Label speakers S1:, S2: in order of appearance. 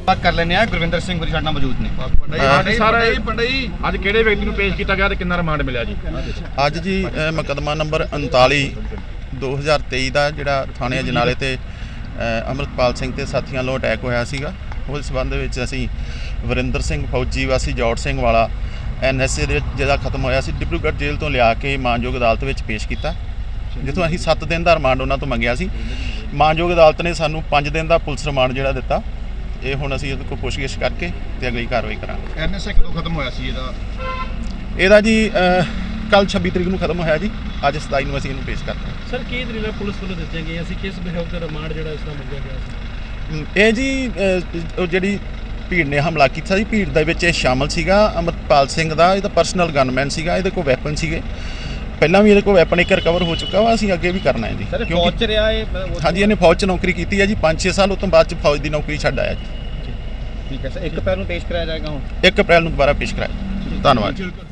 S1: ਬਾਤ ਕਰ ਲੈਂਦੇ ਆ। ਗੁਰਵਿੰਦਰ ਸਿੰਘ ਗੁਰੀ ਸਾਡੇ ਨਾਲ ਮੌਜੂਦ ਨੇ।
S2: ਅੱਜ ਕਿਹੜੇ ਵਿਅਕਤੀ ਨੂੰ ਪੇਸ਼ ਕੀਤਾ ਗਿਆ ਤੇ ਕਿੰਨਾ ਰਿਮਾਂਡ ਮਿਲਿਆ ਜੀ?
S3: ਅੱਜ ਜੀ ਮੁਕੱਦਮਾ ਨੰਬਰ 39 2023 ਦਾ ਜਿਹੜਾ ਥਾਣੇ ਅਜਨਾਲੇ ਤੇ ਅੰਮ੍ਰਿਤਪਾਲ ਸਿੰਘ ਤੇ ਸਾਥੀਆਂ ਵੱਲੋਂ ਅਟੈਕ ਹੋਇਆ ਸੀਗਾ, ਉਸ ਸੰਬੰਧ ਵਿੱਚ ਅਸੀਂ ਵਰਿੰਦਰ ਸਿੰਘ ਫੌਜੀ ਵਾਸੀ ਜੌਟ ਸਿੰਘ ਵਾਲਾ NSA ਦੇ ਵਿੱਚ ਜਿਹੜਾ ਖਤਮ ਹੋਇਆ ਸੀ, ਡਿਬਰੂਗੜ੍ਹ ਜੇਲ੍ਹ ਤੋਂ ਲਿਆ ਕੇ ਮਾਨਯੋਗ ਅਦਾਲਤ ਵਿੱਚ ਪੇਸ਼ ਕੀਤਾ, ਜਿੱਥੋਂ ਅਸੀਂ 7 ਦਿਨ ਦਾ ਰਿਮਾਂਡ ਉਹਨਾਂ ਤੋਂ ਮੰਗਿਆ ਸੀ। ਮਾਨਯੋਗ ਅਦਾਲਤ ਨੇ ਸਾਨੂੰ 5 ਦਿਨ ਦਾ ਪੁਲਿਸ ਰਿਮਾਂਡ ਜਿਹੜਾ ਦਿੱਤਾ। ਇਹ ਹੁਣ ਅਸੀਂ ਇਹਦੇ ਕੋਲ ਪੁੱਛਗਿੱਛ ਕਰਕੇ ਤੇ ਅਗਲੀ ਕਾਰਵਾਈ ਕਰਾਂਗੇ।
S1: NSA ਕਦੋਂ ਖਤਮ ਹੋਇਆ ਸੀ
S3: ਇਹਦਾ ਜੀ ਕੱਲ 26 ਤਰੀਕ ਨੂੰ ਖਤਮ ਹੋਇਆ ਜੀ। ਅੱਜ 27 ਨੂੰ ਅਸੀਂ ਇਹਨੂੰ ਪੇਸ਼ ਕਰਤਾ।
S4: ਸਰ ਕੀ ਦਲੀਲਾਂ ਪੁਲਿਸ ਵੱਲੋਂ ਦਿੱਤੀਆਂ ਗਈਆਂ ਸੀ, ਕਿਸ ਬਿਹੇਵ ਤੇ ਰਿਮਾਂਡ ਜਿਹੜਾ ਇਸ ਦਾ ਮੰਗਿਆ ਗਿਆ ਸੀ?
S3: ਇਹ ਜੀ ਉਹ ਜਿਹੜੀ ਭੀੜ ਨੇ ਹਮਲਾ ਕੀਤਾ ਸੀ, ਭੀੜ ਦੇ ਵਿੱਚ ਇਹ ਸ਼ਾਮਲ ਸੀਗਾ ਅੰਮ੍ਰਿਤਪਾਲ ਸਿੰਘ ਦਾ। ਇਹਦਾ ਪਰਸਨਲ ਗਨਮੈਨ ਸੀਗਾ, ਇਹਦੇ ਕੋਲ ਵੈਪਨ ਸੀਗੇ, ਪਹਿਲਾਂ ਵੀ ਇਹਦੇ ਕੋਲ ਵੈਪਨ ਇੱਕ ਰਿਕਵਰ ਹੋ ਚੁੱਕਾ ਵਾ। ਅਸੀਂ ਅੱਗੇ ਵੀ ਕਰਨਾ ਹੈ ਜੀ।
S1: ਫੌਜ 'ਚ ਰਿਹਾ ਇਹ?
S3: ਹਾਂਜੀ, ਇਹਨੇ ਫੌਜ 'ਚ ਨੌਕਰੀ ਕੀਤੀ ਹੈ ਜੀ 5-6 ਸਾਲ। ਉਸ ਤੋਂ ਬਾਅਦ 'ਚ ਫੌਜ ਦੀ ਨੌਕਰੀ ਛੱਡ ਆਇਆ ਜੀ।
S1: ਠੀਕ ਹੈ ਸਰ। 1 ਅਪ੍ਰੈਲ ਨੂੰ ਪੇਸ਼ ਕਰਾਇਆ ਜਾਏਗਾ ਹੁਣ?
S3: 1 ਅਪ੍ਰੈਲ ਨੂੰ ਦੁਬਾਰਾ ਪੇਸ਼ ਕਰਾਇਆ। ਧੰਨਵਾਦ।